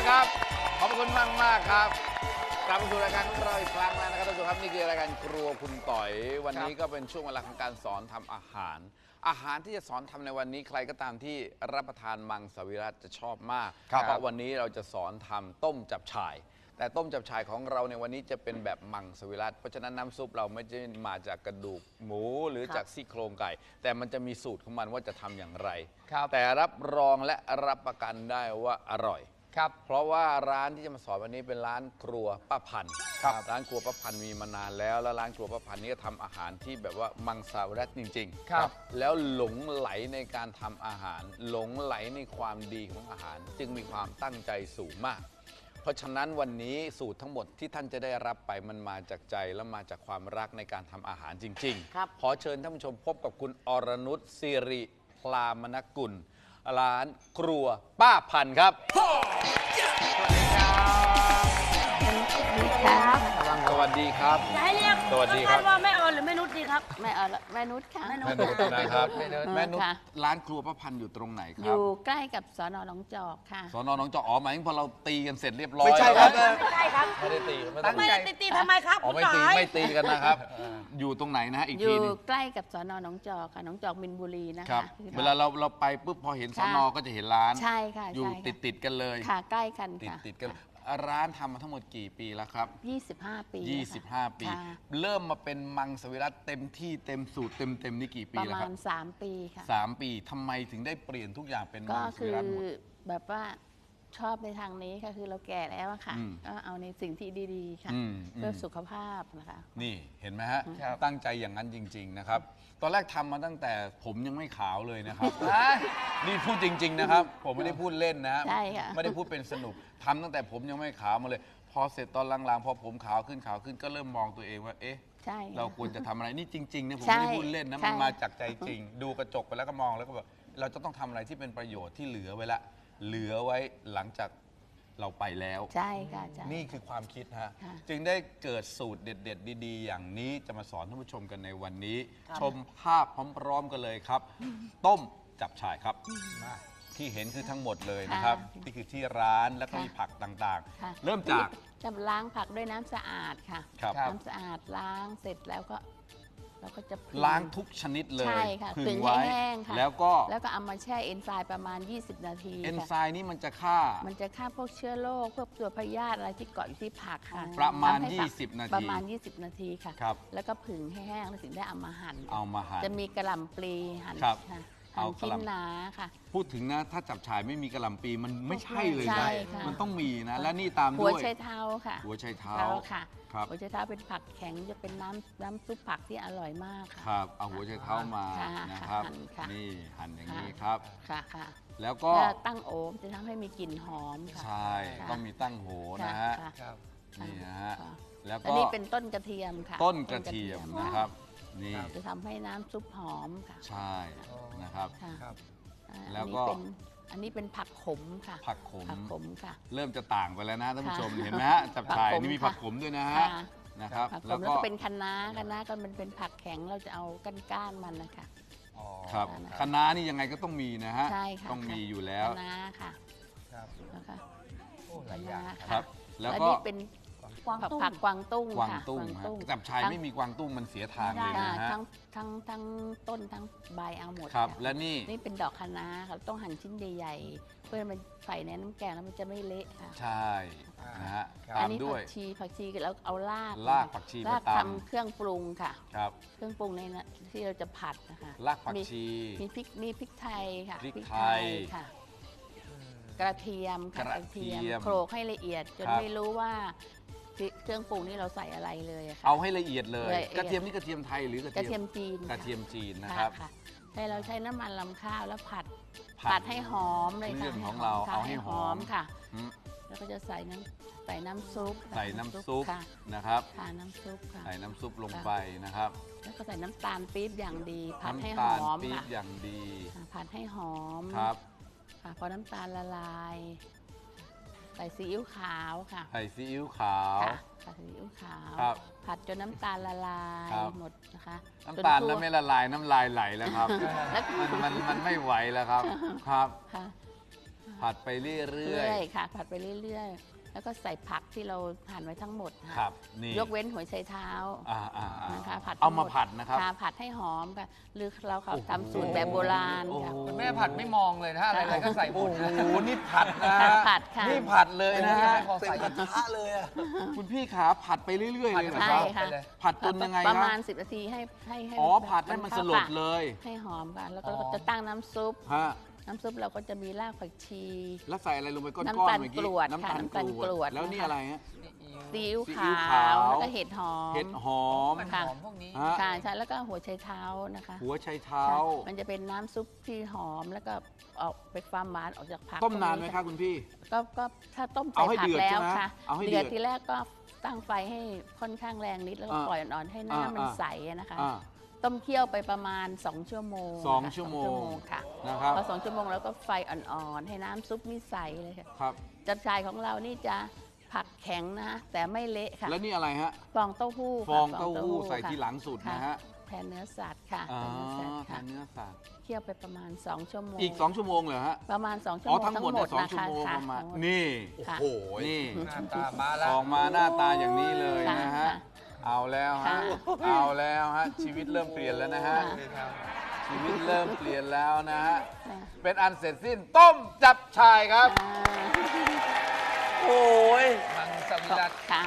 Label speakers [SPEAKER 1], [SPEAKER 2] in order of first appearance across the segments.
[SPEAKER 1] ครับขอบคุณมากครับกลับมาสู่รายการของเราอีกครั้งแล้วนะครับท่านผู้ชมครับนี่คือรายการครัวคุณต่อยวันนี้ก็เป็นช่วงเวลาของการสอนทำอาหารที่จะสอนทำในวันนี้ใครก็ตามที่รับประทานมังสวิรัติจะชอบมากเพราะวันนี้เราจะสอนทำต้มจับฉ่ายแต่ต้มจับฉ่ายของเราในวันนี้จะเป็นแบบมังสวิรัติเพราะฉะนั้นน้ำซุปเราไม่ได้มาจากกระดูกหมูหรือจากซี่โครงไก่แต่มันจะมีสูตรของมันว่าจะทำอย่างไรแต่รับรองและรับประกันได้ว่าอร่อยเพราะว่าร้านที่จะมาสอนวันนี้เป็นร้านครัวป้าพันธุ์ร้านครัวป้าพันธุ์มีมานานแล้วร้านครัวป้าพันธุ์นี้ก็ทำอาหารที่แบบว่ามังสวิรัติจริงๆแล้วหลงไหลในการทำอาหารหลงไหลในความดีของอาหารจึงมีความตั้งใจสูงมากเพราะฉะนั้นวันนี้สูตรทั้งหมดที่ท่านจะได้รับไปมันมาจากใจและมาจากความรักในการทำอาหารจริงๆขอเชิญท่านผู้ชมพบกับคุณอรนุชศิริพลามนกุลร้านครัวป้าพันธุ์ครับสวัสดีครับสวัสดีครับ
[SPEAKER 2] จะให้เรียก
[SPEAKER 1] สวัสดีครับ
[SPEAKER 2] ว่าแม่ออนหรือแม่นุชดีครับ
[SPEAKER 3] แม่นุชค่ะ
[SPEAKER 1] แม่นุชนะครับแม่นุชร้านครัวป้าพันธุ์อยู่ตรงไหนครับ
[SPEAKER 3] อยู่ใกล้กับสน.หนองจอกค่ะ
[SPEAKER 1] สน.หนองจอกหมายถึงพอเราตีกันเสร็จเรียบร้อย
[SPEAKER 4] ไม่ใช่ครับ
[SPEAKER 2] ไม่ใช่ครับ
[SPEAKER 1] ไม่ได้ตี
[SPEAKER 2] ไม่ได้ตีทำไมครับ
[SPEAKER 1] ไม่ตีกันนะครับอยู่ตรงไหนนะอีกทีนึง
[SPEAKER 3] อยู่ใกล้กับสน.หนองจอกค่ะหนองจอกมินบุรีนะคะ
[SPEAKER 1] เวลาเราไปปุ๊บพอเห็นสน.ก็จะเห็นร้าน
[SPEAKER 3] ใช่ค่ะ
[SPEAKER 1] อยู่ติดกันเลย
[SPEAKER 3] ค่ะใกล้กันค่ะ
[SPEAKER 1] ติดกันร้านทำมาทั้งหมดกี่ปีแล้วครับ
[SPEAKER 3] 25 ปี
[SPEAKER 1] 25 ปีเริ่มมาเป็นมังสวิรัติเต็มที่เต็มสูตรเต็มนี่กี่ปีแล้วครับ
[SPEAKER 3] ประมาณ3 ปีค่ะ
[SPEAKER 1] 3 ปีทำไมถึงได้เปลี่ยนทุกอย่างเป็นมังสวิรัติหมด
[SPEAKER 3] แบบว่าชอบในทางนี้ค่ะคือเราแก่แล้วค่ะก็เอาในสิ่งที่ดีๆค่ะเพื่อสุขภาพนะคะ
[SPEAKER 1] นี่เห็นไหมฮะตั้งใจอย่างนั้นจริงๆนะครับตอนแรกทำมาตั้งแต่ผมยังไม่ขาวเลยนะครับนี่พูดจริงๆนะครับผมไม่ได้พูดเล่นนะ
[SPEAKER 3] ใช่ค่ะ
[SPEAKER 1] ไม่ได้พูดเป็นสนุกทำตั้งแต่ผมยังไม่ขาวมาเลยพอเสร็จตอนหลังๆพอผมขาวขึ้นก็เริ่มมองตัวเองว่าเอ๊ะเราควรจะทำอะไรนี่จริงๆนะผมไม่ได้พูดเล่นนะมันมาจากใจจริงดูกระจกไปแล้วก็มองแล้วก็แบบเราจะต้องทำอะไรที่เป็นประโยชน์ที่เหลือไว้ละเหลือไว้หลังจากเราไปแล้ว
[SPEAKER 3] ใช่ค่ะ
[SPEAKER 1] นี่คือความคิดฮะจึงได้เกิดสูตรเด็ดๆดีๆอย่างนี้จะมาสอนท่านผู้ชมกันในวันนี้ชมภาพพร้อมๆกันเลยครับต้มจับฉ่ายครับที่เห็นคือทั้งหมดเลยนะครับนี่คือที่ร้านแล้วก็มีผักต่างๆเริ่มจาก
[SPEAKER 3] จะล้างผักด้วยน้ำสะอาดค่ะน้ำสะอาดล้างเสร็จแล้วก็เราก็จะ
[SPEAKER 1] ล้างทุกชนิดเลย
[SPEAKER 3] ใช่ค่ะผึ่งให้แห้งค่ะ
[SPEAKER 1] แล้วก็
[SPEAKER 3] เอามาแช่เอนไซม์ประมาณ20 นาที
[SPEAKER 1] เอนไซม์นี่มันจะฆ่า
[SPEAKER 3] พวกเชื้อโรคพวกตัวพยาธิอะไรที่เกาะอยู่ที่ผักค่ะ
[SPEAKER 1] ประมาณ20 นาที
[SPEAKER 3] ประมาณ20 นาทีค่ะแล้วก็ผึ่งให้แห้งแล้วถึงได้เอามาหั่นจะมีกระหล่ำปลีหั่นชิ้นหนาค่ะ
[SPEAKER 1] พูดถึงนะถ้าจับฉ่ายไม่มีกระหล่ำปลีมันไม่ใช่เลยนะมันต้องมีนะและนี่ตามด้วย
[SPEAKER 3] หัวไชเท้าค่ะ
[SPEAKER 1] หัวไชเท้า
[SPEAKER 3] ค่ะหัวไชเท้าเป็นผักแข็งจะเป็นน้ำซุปผักที่อร่อยมากค่ะ
[SPEAKER 1] ครับเอาหัวไชเท้ามานะครับนี่หั่นอย่างนี้ครับ
[SPEAKER 3] ค่ะ
[SPEAKER 1] แล้วก็
[SPEAKER 3] ตั้งโอมจะทำให้มีกลิ่นหอมค่ะ
[SPEAKER 1] ใช่ต้องมีตั้งโหนะฮะนี่นะฮะแล้วก็
[SPEAKER 3] นี่เป็นต้นกระเทียมค่ะ
[SPEAKER 1] ต้นกระเทียมนะครับนี่
[SPEAKER 3] จะทำให้น้ำซุปหอมค่ะ
[SPEAKER 1] ใช่นะครับ
[SPEAKER 3] แล้วก็อันนี้เป็นผักขมค่ะ
[SPEAKER 1] ผักขม
[SPEAKER 3] ค่ะ
[SPEAKER 1] เริ่มจะต่างไปแล้วนะท่านผู้ชมเห็นไหมฮะจับฉ่ายนี่มีผักขมด้วยนะฮะนะครับ
[SPEAKER 3] แล้วก็เป็นคะน้าก็มันเป็นผักแข็งเราจะเอาก้านมันนะคะ
[SPEAKER 1] ครับคะน้านี่ยังไงก็ต้องมีนะฮะต้องมีอยู่แล้ว
[SPEAKER 3] คะน้าค่ะนะคะ
[SPEAKER 4] หลายอย่าง
[SPEAKER 1] ครับแล้วก็
[SPEAKER 3] เป็นผักกวางตุ้ง
[SPEAKER 1] จับฉ่ายไม่มีกวางตุ้งมันเสียทางเลยนะฮะ
[SPEAKER 3] ทั้งต้นทั้งใบเอาหมด
[SPEAKER 1] ครับและนี่
[SPEAKER 3] เป็นดอกคะน้าค่ะต้องหั่นชิ้นใหญ่ๆเพื่อมันใส่ในน้ำแกงแล้วมันจะไม่เละค่ะ
[SPEAKER 1] ใช่นะฮะตามด้วย
[SPEAKER 3] ผักชีแล้วเอาราก
[SPEAKER 1] ผักชี
[SPEAKER 3] มาทำเครื่องปรุงค่ะ
[SPEAKER 1] ครับ
[SPEAKER 3] เครื่องปรุงในที่เราจะผัดนะคะ
[SPEAKER 1] รากผักชี
[SPEAKER 3] มีพริกไทยค่ะ
[SPEAKER 1] พริกไทย
[SPEAKER 3] ค่ะกระเทียมโขลกให้ละเอียดจนไม่รู้ว่าเครื่องปรุงนี่เราใส่อะไรเลยค่ะ
[SPEAKER 1] เอาให้ละเอียดเลยกระเทียมนี่กระเทียมไทยหรือกระเทียม
[SPEAKER 3] จีน
[SPEAKER 1] นะครับ
[SPEAKER 3] ให้เราใช้น้ำมันลำข้าวแล้วผัดให้หอมเลยค่ะ
[SPEAKER 1] เรื่องของเราเอาให้หอม
[SPEAKER 3] ค่ะแล้วก็จะใส่น้ำซุป
[SPEAKER 1] นะครับ
[SPEAKER 3] น้ำซุปค่ะ
[SPEAKER 1] ใส่น้ำซุปลงไปนะครับ
[SPEAKER 3] แล้วก็ใส่น้ำตาลปี๊บอย่างดีผัดให้หอมค่ะ
[SPEAKER 1] อย่างดี
[SPEAKER 3] ผัดให้หอม
[SPEAKER 1] ครับ
[SPEAKER 3] พอน้ำตาลละลายใส่ซีอิ๊วขาวค่ะ
[SPEAKER 1] ใส่ซีอิ๊วขาว
[SPEAKER 3] ใส่ซีอิ๊วขาว
[SPEAKER 1] ผั
[SPEAKER 3] ดจนน้ำตาลละลายหมดนะคะ
[SPEAKER 1] น้ำตาลแล้วไม่ละลายน้ำลายไหลแล้วครับมันไม่ไหวแล้วครับผัดไปเรื่
[SPEAKER 3] เรื่
[SPEAKER 1] อย
[SPEAKER 3] อยค่ะ ผัดไปเรื่อยๆ แล้วก็ใส่ผักที่เราหั่นไว้ทั้งหมด
[SPEAKER 1] ๆ ค
[SPEAKER 3] ค่ะ
[SPEAKER 1] รับนี่
[SPEAKER 3] ยกเว้นหัวไชเท้า นะคะผัด
[SPEAKER 1] เอามา
[SPEAKER 3] ทั้งหด
[SPEAKER 1] ผัดนะครับ
[SPEAKER 3] ค่ะผัดให้หอมค่ะหรือเราทำสูตรแบบโบราณค่ะ
[SPEAKER 4] คุณแม่ผัดไม่มองเลยนะอะไรๆก็ใส่หม
[SPEAKER 1] โอ้
[SPEAKER 4] ด
[SPEAKER 1] โห
[SPEAKER 4] นะ
[SPEAKER 1] นี่ผัดนะ
[SPEAKER 3] ผัดค่ะ
[SPEAKER 1] นี่ผัดเลยนะฮะ
[SPEAKER 4] พอใส่
[SPEAKER 5] กระทะเลยอ่ะ
[SPEAKER 1] คุณพี่ขาผัดไปเรื่อยๆเลยเหรอ
[SPEAKER 3] ใช่
[SPEAKER 1] ครับ
[SPEAKER 3] ค่ะ
[SPEAKER 4] ไปเลย
[SPEAKER 1] ผัดจนยังไง
[SPEAKER 3] ประ
[SPEAKER 1] ครั
[SPEAKER 3] มา
[SPEAKER 1] บ
[SPEAKER 3] ณ 10 นาทีให้
[SPEAKER 1] อ๋อผัดให้มันสลดเลย
[SPEAKER 3] ให้หอมค่ะแล้วก็
[SPEAKER 4] อ๋อ
[SPEAKER 3] จะตั้งน้ำซุป
[SPEAKER 1] ฮะ
[SPEAKER 3] น้ำซุปเราก็จะมีรากผักชี
[SPEAKER 1] แล้วใส่อะไรลงไปก้อนๆ
[SPEAKER 3] น้ำตาล
[SPEAKER 1] เมื่อกี้
[SPEAKER 3] กรวด
[SPEAKER 1] น้ำ
[SPEAKER 3] ค่ะ
[SPEAKER 1] ตาล
[SPEAKER 3] น้ำตาล
[SPEAKER 1] ก
[SPEAKER 3] ก
[SPEAKER 1] ร
[SPEAKER 3] ร
[SPEAKER 1] ว
[SPEAKER 3] ว
[SPEAKER 1] ด
[SPEAKER 3] ด
[SPEAKER 1] แล้วนี่
[SPEAKER 3] นะคะ
[SPEAKER 1] อะไรฮะ
[SPEAKER 3] ซีอิ๊ว
[SPEAKER 1] ซีอิ๊ว
[SPEAKER 3] ขา
[SPEAKER 1] ขาว ว
[SPEAKER 3] แล้วก็เห็ดหอม
[SPEAKER 1] เห็ดหอม
[SPEAKER 4] มัน
[SPEAKER 3] ค่ะ
[SPEAKER 4] หอมพวกนี้
[SPEAKER 1] ฮะ
[SPEAKER 3] ค่ะใช่แล้วก็หัวไชเท้านะคะ
[SPEAKER 1] หัวไชเท้า
[SPEAKER 3] ค่ะมันจะเป็นน้ำซุปที่หอมแล้วก็ออกเป็นความหวานออกจากผัก
[SPEAKER 1] ต้มนานไหม
[SPEAKER 3] พวก
[SPEAKER 1] คะคุณพี่
[SPEAKER 3] ก็ถ้าต้ม
[SPEAKER 1] เอา
[SPEAKER 3] ใส่
[SPEAKER 1] ให้
[SPEAKER 3] ผั
[SPEAKER 1] เดื
[SPEAKER 3] ก
[SPEAKER 1] อด
[SPEAKER 3] แล้ว
[SPEAKER 1] ใช่ไหม
[SPEAKER 3] ค่ะ
[SPEAKER 1] เอาให้เดื
[SPEAKER 3] เดื
[SPEAKER 1] อ
[SPEAKER 3] อ
[SPEAKER 1] ด
[SPEAKER 3] ดทีแรกก็ตั้งไฟให้ค่อนข้างแรงนิดแล้วก็
[SPEAKER 1] อ่า
[SPEAKER 3] ปล่อยอ่อนๆให้
[SPEAKER 1] อ่า
[SPEAKER 3] น้ำมัน
[SPEAKER 1] อ่า
[SPEAKER 3] ใสอะนะคะ
[SPEAKER 1] อ่า
[SPEAKER 3] ต้มเคี่ยวไปประมาณ2 ชั่วโมง
[SPEAKER 1] สอง
[SPEAKER 3] ค่ะ
[SPEAKER 1] ชั่วโมง
[SPEAKER 3] ค่ะ
[SPEAKER 1] นะครับ
[SPEAKER 3] พอ2 ชั่วโมงแล้วก็ไฟอ่อนๆให้น้ำซุปนี่ใสเลยค่ะ
[SPEAKER 1] ครับ
[SPEAKER 3] จับชายของเรานี่จะผักแข็งนะแต่ไม่เละค่ะ
[SPEAKER 1] แล้วนี่อะไรฮะ
[SPEAKER 3] ฟองเต้าหู้
[SPEAKER 1] ฟ
[SPEAKER 3] ค่ะ
[SPEAKER 1] องเต้าหู้ใส่
[SPEAKER 3] ค่ะ
[SPEAKER 1] ทีหลังสุดนะฮะ
[SPEAKER 3] แทนเนื้อสัตว์ค่ะ
[SPEAKER 1] อ๋อ
[SPEAKER 3] แทนเนื้อสัตว์
[SPEAKER 1] ทานเนื้อสัตว์
[SPEAKER 3] ค่ะเคี่ยวไปประมาณ2 ชั่วโมง
[SPEAKER 1] อีก2 ชั่วโมงเหรอฮะ
[SPEAKER 3] ประมาณ2 ชั่ว
[SPEAKER 1] อ๋อ
[SPEAKER 3] โมง
[SPEAKER 1] ทั้งหมดเนี่ยสอง
[SPEAKER 3] นะ
[SPEAKER 1] ชั่ว
[SPEAKER 3] คะ
[SPEAKER 1] โมง
[SPEAKER 3] ค่ะ
[SPEAKER 1] ประมาณ
[SPEAKER 3] ทั้งหมด
[SPEAKER 1] นี่
[SPEAKER 3] ค่ะ
[SPEAKER 5] โอ้โห
[SPEAKER 1] นี่
[SPEAKER 4] หน้าตามาแล้ว
[SPEAKER 1] ออกมาหน้าตาอย่างนี้เลย
[SPEAKER 3] ค่ะ
[SPEAKER 1] นะฮะ
[SPEAKER 3] ค่ะ
[SPEAKER 1] เอาแล้วฮะ
[SPEAKER 3] ค่ะ
[SPEAKER 1] เอาแล้วฮะ ชีวิตเริ่มเปลี่ยนแล้วนะฮะ
[SPEAKER 3] ค่ะ
[SPEAKER 1] ชีวิตเริ่มเปลี่ยนแล้วนะฮะ
[SPEAKER 3] ค่ะ
[SPEAKER 1] เป็นอันเสร็จสิ้นต้มจับชายครับ
[SPEAKER 3] อ่า
[SPEAKER 5] โอ้ย
[SPEAKER 4] มังสวิรัต
[SPEAKER 3] ค่ะ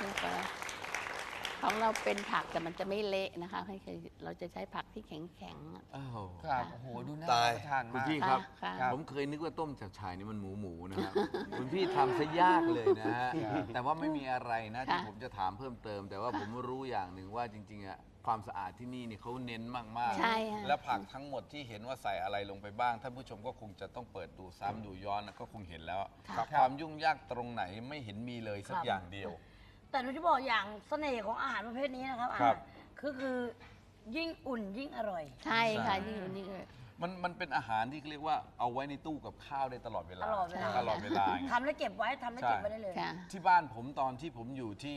[SPEAKER 3] ของเราเป็นผักแต่มันจะไม่เละนะคะให้คือเราจะใช้ผักที่แข็งๆอะ
[SPEAKER 1] อ้าว
[SPEAKER 4] ครับ โอ้โห ดูน่า
[SPEAKER 5] ตาย
[SPEAKER 4] ทาน
[SPEAKER 1] คุณ
[SPEAKER 4] มาก
[SPEAKER 1] พี่ครับ
[SPEAKER 3] ค่ะ
[SPEAKER 1] ผมเคยนึกว่าต้มจับชายนี่มันหมูนะครับ คุณพี่ทำซะยากเลยนะฮะ แต่ว่าไม่มีอะไรนะที่ผมจะถามเพิ่มเติม แต่ว่าผมรู้อย่างหนึ่งว่าจริงๆอะความสะอาดที่นี่เนี่ยเขาเน้นมากๆ
[SPEAKER 3] ใช่ค่ะ
[SPEAKER 1] และผักทั้งหมดที่เห็นว่าใส่อะไรลงไปบ้างท่านผู้ชมก็คงจะต้องเปิดดูซ้ำดูย้อนนะก็คงเห็นแล้ว
[SPEAKER 3] ค่ะ
[SPEAKER 1] ความยุ่งยากตรงไหนไม่เห็นมีเลยสักอย่างเดียว
[SPEAKER 2] แต่หนูจะบอกอย่างเสน่ห์ของอาหารประเภทนี้นะครับ
[SPEAKER 1] ครับ
[SPEAKER 2] คือยิ่งอุ่นยิ่งอร่อย
[SPEAKER 3] ใช่ค่ะยิ่งอยู่นี่เลย
[SPEAKER 1] มันเป็นอาหารที่เรียกว่าเอาไว้ในตู้กับข้าวได้ตลอดเวลา
[SPEAKER 2] ตลอดเวลา
[SPEAKER 1] ตลอดเวลาไง
[SPEAKER 2] ทำแล้วเก็บไว้ทำแล้วเก็บไว้ได้เลย
[SPEAKER 3] ค่ะ
[SPEAKER 1] ที่บ้านผมตอนที่ผมอยู่ที่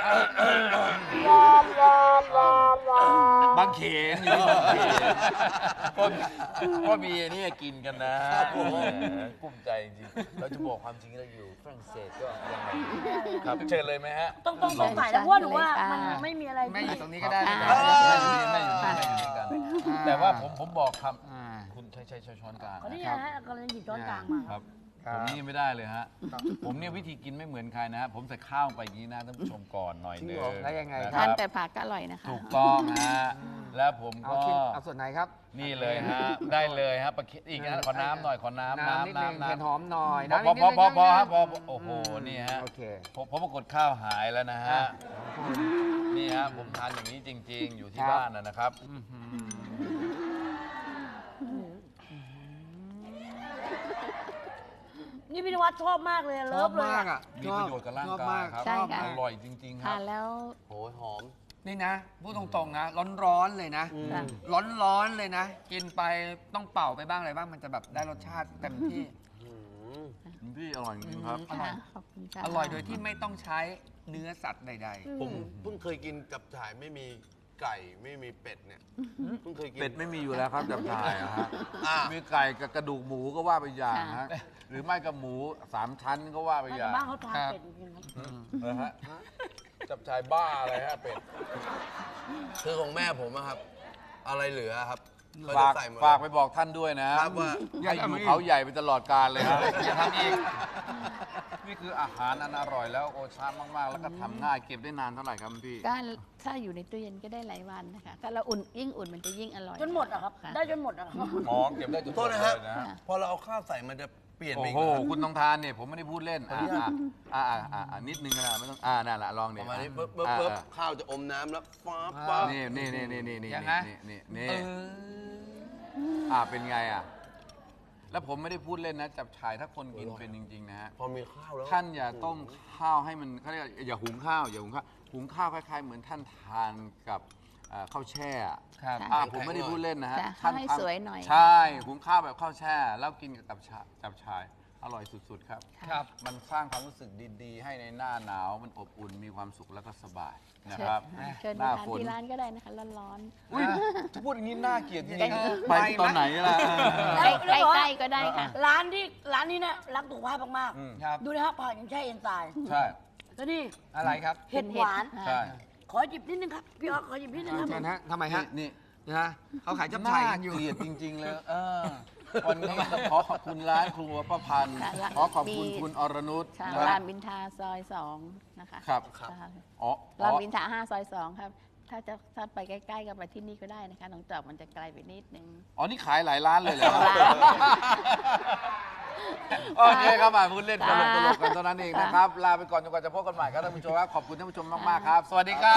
[SPEAKER 1] บางเขนอยู่บางเขนก็มีอันนี่กินกันนะแหมกุ้มใจจริงๆเราจะบอกความจริงเราอยู่ฝรั่งเศสก็ยังไงครับเชิญเลยไหมฮะ
[SPEAKER 2] ต้องสงสัยแล้วเพราะว่าหนูว่ามันไม่มีอะไร
[SPEAKER 4] แม่อยู่ตรงนี้
[SPEAKER 1] ก็
[SPEAKER 4] ก็
[SPEAKER 1] ได้
[SPEAKER 4] ได้
[SPEAKER 1] แม่
[SPEAKER 4] นะ
[SPEAKER 1] อยู่นี่แม่อยู่นี่แม่อยู่นี่กัน แต่ว่าผมบอกคำคุณใช้ช้อนกลาง
[SPEAKER 2] เขานี่
[SPEAKER 1] นะ
[SPEAKER 2] นะฮะกำลังหยิบช้อนกลางมา
[SPEAKER 1] ครับ ผมนี่ไม่ได้เลยฮะ ผมเนี่ยวิธีกินไม่เหมือนใครนะฮะ ผมใส่ข้าวไปอย่างนี้นะท่านผู้ชมก่อนหน่อยหนึง
[SPEAKER 4] แล้วยังไง
[SPEAKER 1] นะ
[SPEAKER 4] ค
[SPEAKER 3] ทา
[SPEAKER 4] รั
[SPEAKER 3] น
[SPEAKER 4] บ
[SPEAKER 3] แต่ผักก็อร่อยนะคะ
[SPEAKER 1] ถูกต้องฮะ แล้วผม
[SPEAKER 4] เอา
[SPEAKER 1] ก็
[SPEAKER 4] ชิ้นเอาส่วนไหนครับ
[SPEAKER 1] นี่เลยฮะ ได้เลยฮะปลาเค็มอีกนะขอน้ำหน่อยขอน้ำ
[SPEAKER 4] น้ำนิดนึงเห็ดหอมหน่อย
[SPEAKER 1] พอ
[SPEAKER 4] น้ำนิดนึง
[SPEAKER 1] พอฮะพอ
[SPEAKER 4] นิดนึง
[SPEAKER 1] โอ้โหนี่ฮะ
[SPEAKER 4] โอเค
[SPEAKER 1] ผมปรากฏข้าวหายแล้วนะฮะ
[SPEAKER 4] อ่ะ
[SPEAKER 1] นี่ฮะผมทานอย่างนี้จริง ๆ อยู่ที่
[SPEAKER 4] ครับ
[SPEAKER 1] บ้านนะครับ
[SPEAKER 2] นี่พี่นวัดชอบมากเลย
[SPEAKER 4] ช
[SPEAKER 2] เลิ
[SPEAKER 4] อบ
[SPEAKER 2] ฟเลย
[SPEAKER 4] มาก
[SPEAKER 2] อะ
[SPEAKER 4] อ่ะ
[SPEAKER 1] มีประโยชน์กับร่าง
[SPEAKER 4] ชอบ
[SPEAKER 1] กาย
[SPEAKER 4] มาก
[SPEAKER 1] ครับ
[SPEAKER 3] ใช่ค่ะ
[SPEAKER 1] อร่อยจริง ๆ ครั
[SPEAKER 3] ทา
[SPEAKER 1] บ
[SPEAKER 3] นแล้ว
[SPEAKER 5] โอ้ยหอม
[SPEAKER 4] นี่นะพูดตรงๆนะร้อนๆเลยนะ
[SPEAKER 3] ค่ะ
[SPEAKER 4] ร้อนๆเลยนะ กินไปต้องเป่าไปบ้างอะไรบ้างมันจะแบบได้รสชาติเต็มที่
[SPEAKER 1] คุณพี่อร่อยจริงๆครับ
[SPEAKER 4] อร่อย
[SPEAKER 3] ค่ะขอบคุณค่ะ
[SPEAKER 4] อร่อยโดยที่ไม่ต้องใช้เนื้อสัตว์ใด
[SPEAKER 5] ผมเพิ่งเคยกินจับฉ่ายไม่มีไก่ไม่มีเป็ดเนี่ยเพิ่งเคยกิน
[SPEAKER 1] เป็ดไม่มีอยู่แล้วครับจับฉ่ายอะฮะ
[SPEAKER 5] อ่ะ
[SPEAKER 1] มีไก่กับกระดูกหมูก็ว่าไปอย่างฮะ หรือไม่กับหมู3 ชั้นก็ว่าไปอ
[SPEAKER 2] แต่
[SPEAKER 1] ย่าง
[SPEAKER 2] บ้านเขาทานเป็ดจริงๆครับ
[SPEAKER 1] นะฮะจับฉ่ายบ้าอะไรฮะเป็ด
[SPEAKER 5] คือของแม่ผมอะครับ อะไรเหลือครับก็
[SPEAKER 1] ฝา
[SPEAKER 5] จะ
[SPEAKER 1] ก
[SPEAKER 5] ใส่หมด
[SPEAKER 1] ฝากไปบอกท่านด้วยนะครับ
[SPEAKER 5] ว่า
[SPEAKER 1] ให้อยู่เขาใหญ่ไปตลอดกาลเลยครับ
[SPEAKER 4] อย่าทำอีก
[SPEAKER 1] นี่คืออาหารอันอร่อยแล้วโอชามากๆ แล้วก็ทำง่ายเก็บได้นานเท่าไหร่ครับคุณพี่
[SPEAKER 3] ก็ถ้าอยู่ในตู้เย็นก็ได้หลายวันนะคะถ้าเราอุ่นยิ่งอุ่นมันจะยิ่งอร่อย
[SPEAKER 2] จนหมดอะครับ
[SPEAKER 3] ค่ะ
[SPEAKER 2] ได้จนหมดอะครับ
[SPEAKER 1] หมอเก็บได้จน
[SPEAKER 5] โทษนะฮะ
[SPEAKER 1] เลยนะฮะ
[SPEAKER 5] พอเราเอาข้าวใส่มันจะเปลี่ยนไป
[SPEAKER 1] โอ้
[SPEAKER 5] อีก
[SPEAKER 1] โห
[SPEAKER 5] นะครับ
[SPEAKER 1] คุณต้องทานเนี่ยผมไม่ได้พูดเล่นนิดนึงนะไม่ต้องนั่นแหละลอง
[SPEAKER 5] ป
[SPEAKER 1] เนี่ย
[SPEAKER 5] ระมาณนี้ปึ๊บปึ๊บปึ๊บข้าวจะอมน้ำแล้วฟ้าฟ้า
[SPEAKER 1] นี่นี่นี่นี่นี่นี่
[SPEAKER 4] ยังไง
[SPEAKER 1] นี่
[SPEAKER 4] เออ
[SPEAKER 1] เป็นไงอ่ะแล้วผมไม่ได้พูดเล่นนะจับฉ่ายถ้าคนกินเป็นจริงๆนะฮะ
[SPEAKER 5] พอมีข้าวแล้ว
[SPEAKER 1] ท่านอย่าต้มข้าวให้มันเขาเรียกอย่าหุงข้าวอย่าหุงข้าวหุงข้าวคล้ายๆเหมือนท่านทานกับข้าวแช่อะ
[SPEAKER 4] ครับ
[SPEAKER 1] ผมไม่ได้พูดเล่นนะฮะ
[SPEAKER 3] จ้ะ
[SPEAKER 1] ท่าน
[SPEAKER 3] ให้
[SPEAKER 1] ทำ
[SPEAKER 3] สวยหน่อย
[SPEAKER 1] ใช่หุงข้าวแบบข้าวแช่ แล้วกินกับจับฉ่ายอร่อยสุดๆครับ
[SPEAKER 4] ครับ
[SPEAKER 1] มันสร้างความรู้สึกดีๆ ให้ในหน้าหนาวมันอบอุ่นมีความสุขแล้วก็สบายนะครับ
[SPEAKER 3] เชิญ
[SPEAKER 1] ห
[SPEAKER 3] ไป
[SPEAKER 1] น้า
[SPEAKER 3] ทาน
[SPEAKER 1] ฝน
[SPEAKER 3] ที่ร้านก็ได้นะคะร้อน
[SPEAKER 1] อุ้ยถ้าพูดอย่างนี้น่าเกลียดจริง
[SPEAKER 3] เออ
[SPEAKER 1] ๆไปตอนไหนล่ะ
[SPEAKER 3] ๆใกล้ๆก็ได้ค่ะ
[SPEAKER 2] ร้านนี้เนี่ยรักสุขภาพมาก
[SPEAKER 1] อืม
[SPEAKER 4] ครับ
[SPEAKER 2] ๆดูนะครับผักอย่างแช่เอ็นไซม์
[SPEAKER 1] ใช่
[SPEAKER 2] แล้วนี่
[SPEAKER 4] อะไรครับ
[SPEAKER 2] เห็ดหวาน
[SPEAKER 1] ใช่
[SPEAKER 2] ขอหยิบนิดนึงครับพี่ออสขอหยิบนิดนึงครับ
[SPEAKER 4] เชิญฮะทำไมฮะ
[SPEAKER 1] นี่
[SPEAKER 4] นะเขาขายจับ
[SPEAKER 1] น่า
[SPEAKER 4] ฉ่ายกันอยู่
[SPEAKER 1] เกลียดจริง ๆ เลยวันนี้ต้องขอขอบคุณร้านครัวป้าพันธ์
[SPEAKER 3] ค่ะ
[SPEAKER 1] ขอขอบคุณคุณอรนุช
[SPEAKER 3] ค่ะ
[SPEAKER 1] นะ
[SPEAKER 3] รามอินทราซอย2นะคะ
[SPEAKER 1] ครับ
[SPEAKER 3] ค่ะ
[SPEAKER 1] อ๋อ
[SPEAKER 3] รามอินทรา5ซอย2ครับถ้าไปใกล้ๆก็ไปที่นี่ก็ได้นะคะหนองจอกมันจะไกลไปนิดนึง
[SPEAKER 1] อ๋อ นี่ขายหลายร้านเลยเหรอ
[SPEAKER 3] ร้าน
[SPEAKER 1] โอเคครับมาพูดเล่นตลก
[SPEAKER 3] ค่ะ
[SPEAKER 1] กันเท่านั้นเองนะครับ ลาไปก่อนจนกว่าจะพบกันใหม่ครับท่านผู้ชมครับขอบคุณท่านผู้ชมมากๆ
[SPEAKER 3] ค่ะ
[SPEAKER 1] ครับ สวัสดีครับ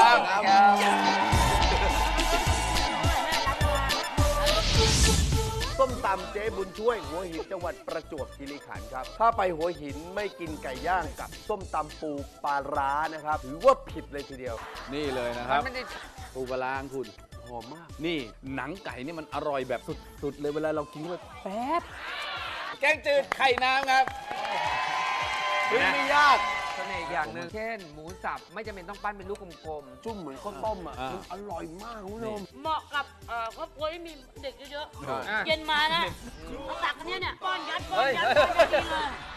[SPEAKER 6] ส้มตำเจ๊บุญช่วยหัวหินจังหวัดประจวบคีรีขันธ์ครับ ถ้าไปหัวหินไม่กินไก่ย่างกับส้มตำปูปลาร้านะครับ ถือว่าผิดเลยทีเดียว
[SPEAKER 1] นี่เลยนะครับ
[SPEAKER 4] ไม่ได้
[SPEAKER 1] ปูปลาร้าของคุณ
[SPEAKER 6] หอมมาก
[SPEAKER 1] นี่หนังไก่นี่มันอร่อยแบบสุดๆเลยเวลาเรากินเข้าไปแป๊บแกงจืดไข่น้ำครับไม่ยาก
[SPEAKER 4] เสน่ห์อีกอย่างหนึ่งเช่น หมูสับไม่จำเป็นต้องปั้นเป็นลูกกลม
[SPEAKER 6] จุ่มเหมือนข้าวต้มอ่ะ
[SPEAKER 1] อ่ามั
[SPEAKER 6] มันอร่อยมากคุณผู้ชม
[SPEAKER 2] เหมาะกับครอบครัวที่มีเด็กเยอะ
[SPEAKER 1] ใช่
[SPEAKER 4] ๆอ่ะ
[SPEAKER 2] ๆเย็นมานะมาตักอันเนี้ยเนี่ยป้อนยัดกินเลย